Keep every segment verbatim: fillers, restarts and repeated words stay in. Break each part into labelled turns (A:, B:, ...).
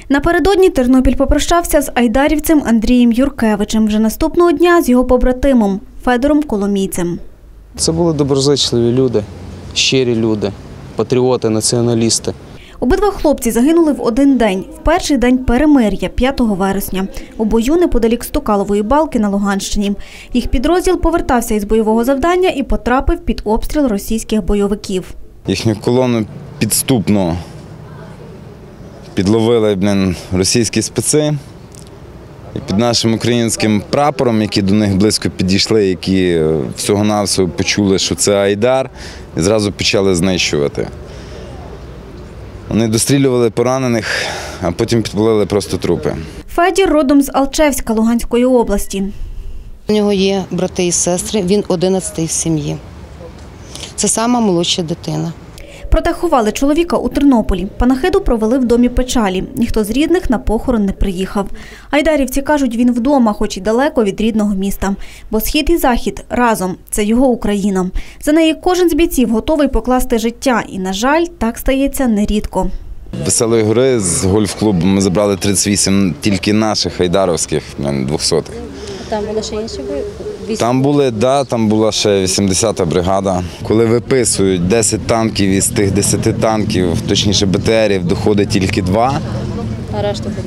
A: Напередодні Тернопіль попрощався з айдарівцем Андрієм Юркевичем. Вже наступного дня з його побратимом Федором Коломійцем.
B: Це були доброзичливі люди, щирі люди, патріоти, націоналісти.
A: Обидва хлопці загинули в один день, в перший день перемир'я, п'ятого вересня, у бою неподалік Стукалової балки на Луганщині. Їх підрозділ повертався із бойового завдання і потрапив під обстріл російських бойовиків.
C: Їхню колону підступно підловили, блін, російські спеці. І під нашим українським прапором, які до них близько підійшли, які всього-навсього почули, що це айдар, і зразу почали знищувати. Вони дострілювали поранених, а потім підпалили просто трупи.
A: Федір родом з Алчевська Луганської області.
D: У нього є брати і сестри, він одинадцятий в сім'ї. Це сама молодша дитина.
A: Проте ховали чоловіка у Тернополі. Панахиду провели в домі печалі. Ніхто з рідних на похорон не приїхав. Айдарівці кажуть, він вдома, хоч і далеко від рідного міста. Бо схід і захід разом – це його Україна. За неї кожен з бійців готовий покласти життя. І, на жаль, так стається нерідко.
C: Веселої гори з гольф-клубу ми забрали тридцять вісім тільки наших айдаровських, двохсотих.
E: Там були ще інші бої?
C: Там були, да, там була ще вісімдесята бригада. Коли виписують десять танків, із тих десяти танків, точніше Б Т Рів, доходить тільки два.
E: А решта буде?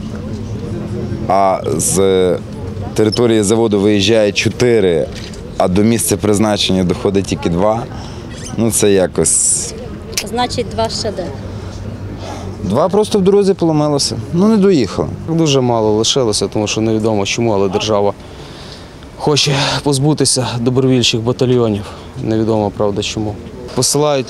C: А з території заводу виїжджає чотири, а до місця призначення доходить тільки два. Ну це якось…
E: Значить, два ще де?
C: Два просто в дорозі поломилося. Ну не доїхали.
B: Дуже мало лишилося, тому що невідомо чому, але держава хоче позбутися добровольчих батальйонів. Невідомо, правда, чому. Посилають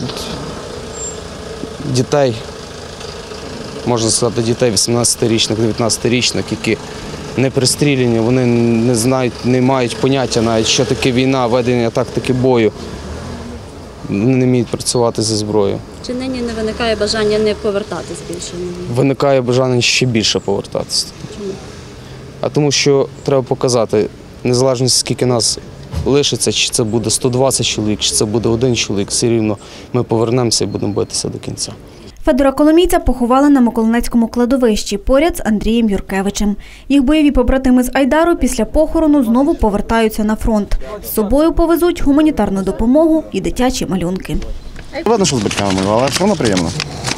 B: дітей, можна сказати, дітей вісімнадцятирічних, дев'ятнадцятирічних, які не пристріляні, вони не знають, не мають поняття навіть, що таке війна, ведення тактики бою. Вони не вміють працювати зі зброєю.
E: Чи нині не виникає бажання не повертатись більше?
B: Виникає бажання ще більше повертатися.
E: Чому?
B: А тому що треба показати, незалежно скільки нас лишиться, чи це буде сто двадцять чоловік, чи це буде один чоловік, все рівно ми повернемося і будемо битися до кінця.
A: Федора Коломійця поховали на Миколинецькому кладовищі поряд з Андрієм Юркевичем. Їх бойові побратими з Айдару після похорону знову повертаються на фронт. З собою повезуть гуманітарну допомогу і дитячі малюнки.
F: Ладно, що з батьками, але все одно приємно.